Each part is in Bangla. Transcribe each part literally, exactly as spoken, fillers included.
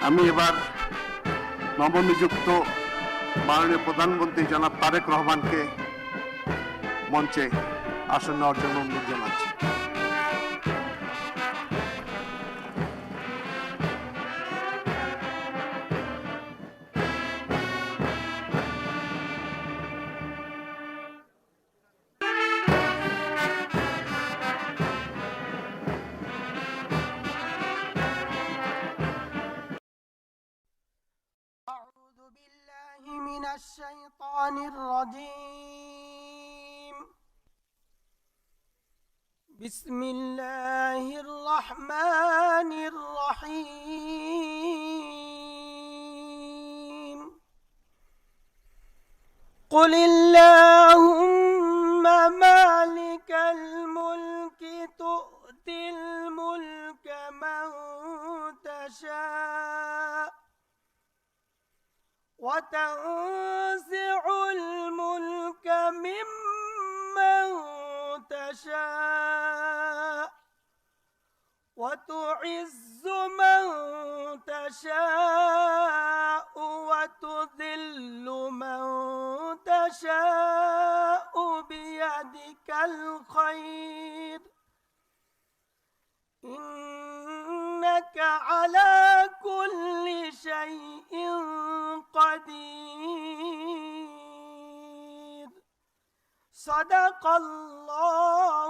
আমি এবার নবনিযুক্ত মাননীয় প্রধানমন্ত্রী জনাব তারেক রহমানকে মঞ্চে আসন নেওয়ার জন্য অনুরোধ জানাচ্ছি। أعوذ بالله من الشيطان الرجيم. بسم الله الرحمن الرحيم. قل اللهم مالك الملك تؤتي الملك من تشاء وتنزع الملك ممن تشاء وتعز من تشاء وتذل من تشاء بيدك الخير إنك على كل شيء قدير. صدق الله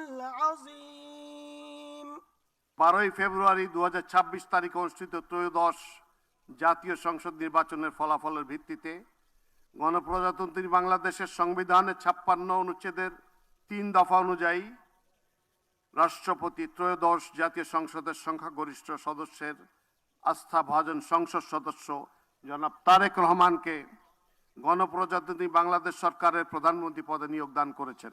العظيم. বারোই ফেব্রুয়ারি দু হাজার ছাব্বিশ তারিখে অনুষ্ঠিত ত্রয়োদশ জাতীয় সংসদ নির্বাচনের ফলাফলের ভিত্তিতে গণপ্রজাতন্ত্রী বাংলাদেশের সংবিধানের ছাপ্পান্ন অনুচ্ছেদের তিন দফা অনুযায়ী রাষ্ট্রপতি ত্রয়োদশ জাতীয় সংসদের সংখ্যাগরিষ্ঠ সদস্যের আস্থাভাজন সংসদ সদস্য জনাব তারেক রহমানকে গণপ্রজাতন্ত্রী বাংলাদেশ সরকারের প্রধানমন্ত্রী পদে নিয়োগ দান করেছেন।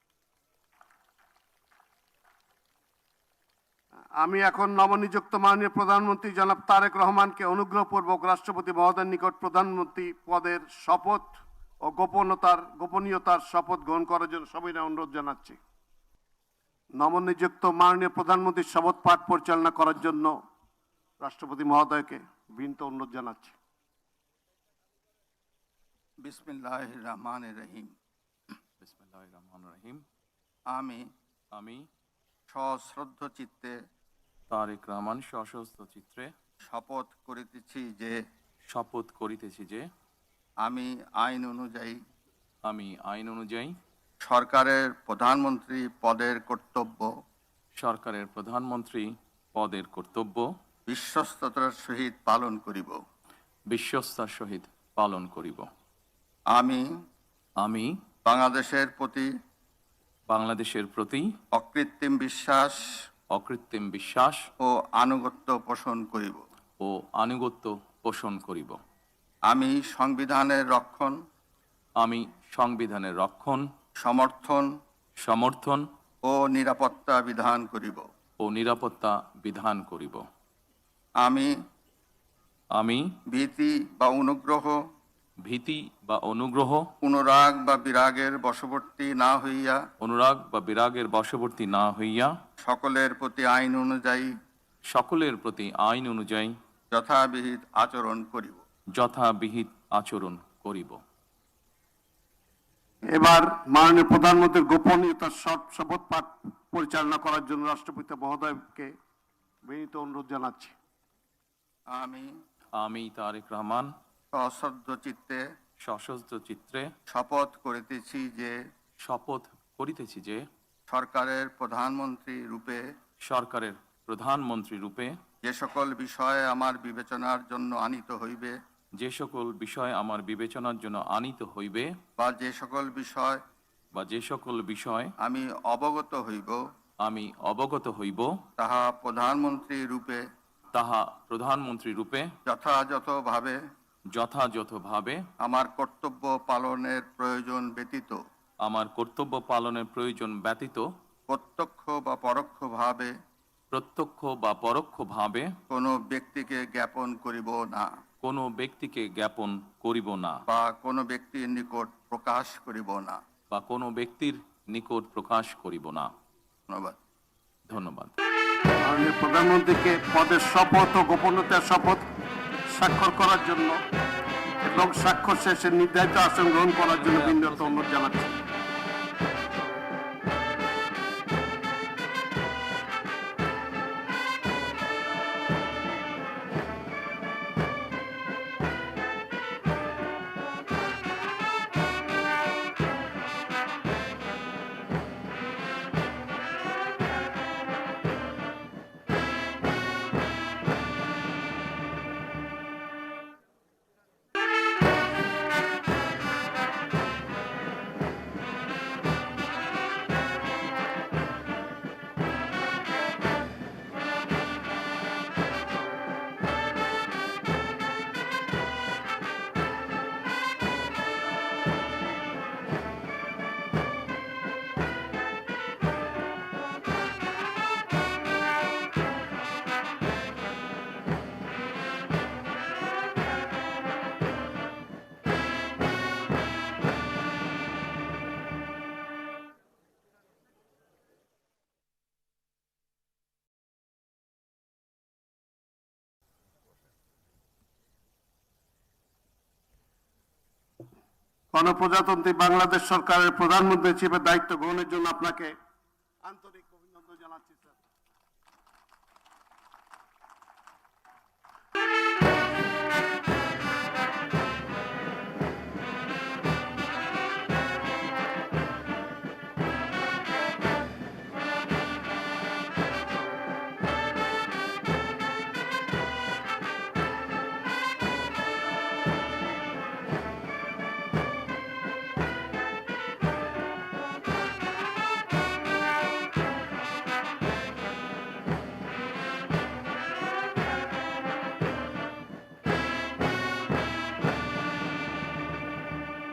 আমি এখন নবনিযুক্ত মাননীয় প্রধানমন্ত্রী জনাব তারেক রহমানকে অনুগ্রহপূর্বক রাষ্ট্রপতি মহোদয়ের নিকট প্রধানমন্ত্রী পদের শপথ ও গোপনতার গোপনীয়তার শপথ গ্রহণ করার জন্য সবাই অনুরোধ জানাচ্ছি। নবনিযুক্ত মাননীয় প্রধানমন্ত্রীর শপথ পাঠ পরিচালনা করার জন্য রাষ্ট্রপতি মহোদয়কে বিনীত অনুরোধ জানাচ্ছি। বিসমিল্লাহির রহমানির রহিম। বিসমিল্লাহির রহমানির রহিম। আমি আমি সশ্রদ্ধ চিত্তে তারেক রহমান সশস্ত্র চিত্রে শপথ করিতেছি যে শপথ করিতেছি যে আমি আইন অনুযায়ী আমি আইন অনুযায়ী সরকারের প্রধানমন্ত্রী পদের কর্তব্য সরকারের প্রধানমন্ত্রী পদের কর্তব্য বিশ্বস্ততার সহিত পালন করিব বিশ্বস্তার সহিত পালন করিব। আমি আমি বাংলাদেশের প্রতি বাংলাদেশের প্রতি অকৃত্রিম বিশ্বাস অকৃত্রিম বিশ্বাস ও আনুগত্য পোষণ করিব ও আনুগত্য পোষণ করিব। আমি সংবিধানের রক্ষণ আমি সংবিধানের রক্ষণ সমর্থন সমর্থন ও নিরাপত্তা বিধান করিব ও নিরাপত্তা বিধান করিব। আমি আমি ভীতি বা অনুগ্রহ ভীতি বা অনুগ্রহ অনুরাগ বা বিরাগের বশবর্তী না হইয়া অনুরাগ বা বিরাগের বশবর্তী না হইয়া সকলের প্রতি আইন অনুযায়ী সকলের প্রতি আইন অনুযায়ী যথাবিহিত আচরণ করিব যথাবিহিত আচরণ করিব। এবার মাননীয় প্রধানমন্ত্রীর গোপনীয়তার শপথ পাঠ পরিচালনা করার জন্য রাষ্ট্রপতি মহোদয়কে বিনীত অনুরোধ জানাচ্ছি। আমি আমি তারেক রহমান সশ্রদ্ধ চিত্তে সশস্ত্র চিত্রে শপথ করিতেছি যে শপথ করিতেছি যে সরকারের প্রধানমন্ত্রী রূপে সরকারের প্রধানমন্ত্রী রূপে যে সকল বিষয়ে আমার বিবেচনার জন্য আনিত হইবে যে সকল বিষয় আমার বিবেচনার জন্য আনিত হইবে বা যে সকল বিষয় বা যে সকল বিষয় আমি অবগত হইব আমি অবগত হইব তাহা প্রধানমন্ত্রী রূপে তাহা প্রধানমন্ত্রী রূপে যথাযথভাবে যথাযথভাবে আমার কর্তব্য পালনের প্রয়োজন ব্যতীত আমার কর্তব্য পালনের প্রয়োজন ব্যতীত প্রত্যক্ষ বা পরোক্ষভাবে প্রত্যক্ষ বা পরোক্ষভাবে কোনো ব্যক্তিকে জ্ঞাপন করিব না কোনো ব্যক্তিকে জ্ঞাপন করিব না বা কোনো ব্যক্তির নিকট প্রকাশ করিব না বা কোনো ব্যক্তির নিকট প্রকাশ করিব না। ধন্যবাদ। ধন্যবাদ। মাননীয় প্রধানমন্ত্রীকে পদের শপথ ও গোপনীয়তার শপথ স্বাক্ষর করার জন্য এবং স্বাক্ষর শেষে নির্ধারিত আসন গ্রহণ করার জন্য বিনীত অনুরোধ জানাচ্ছি। গণপ্রজাতন্ত্রী বাংলাদেশ সরকারের প্রধানমন্ত্রী হিসেবে দায়িত্ব গ্রহণের জন্য আপনাকে আন্তরিক অভিনন্দন জানাচ্ছি স্যার।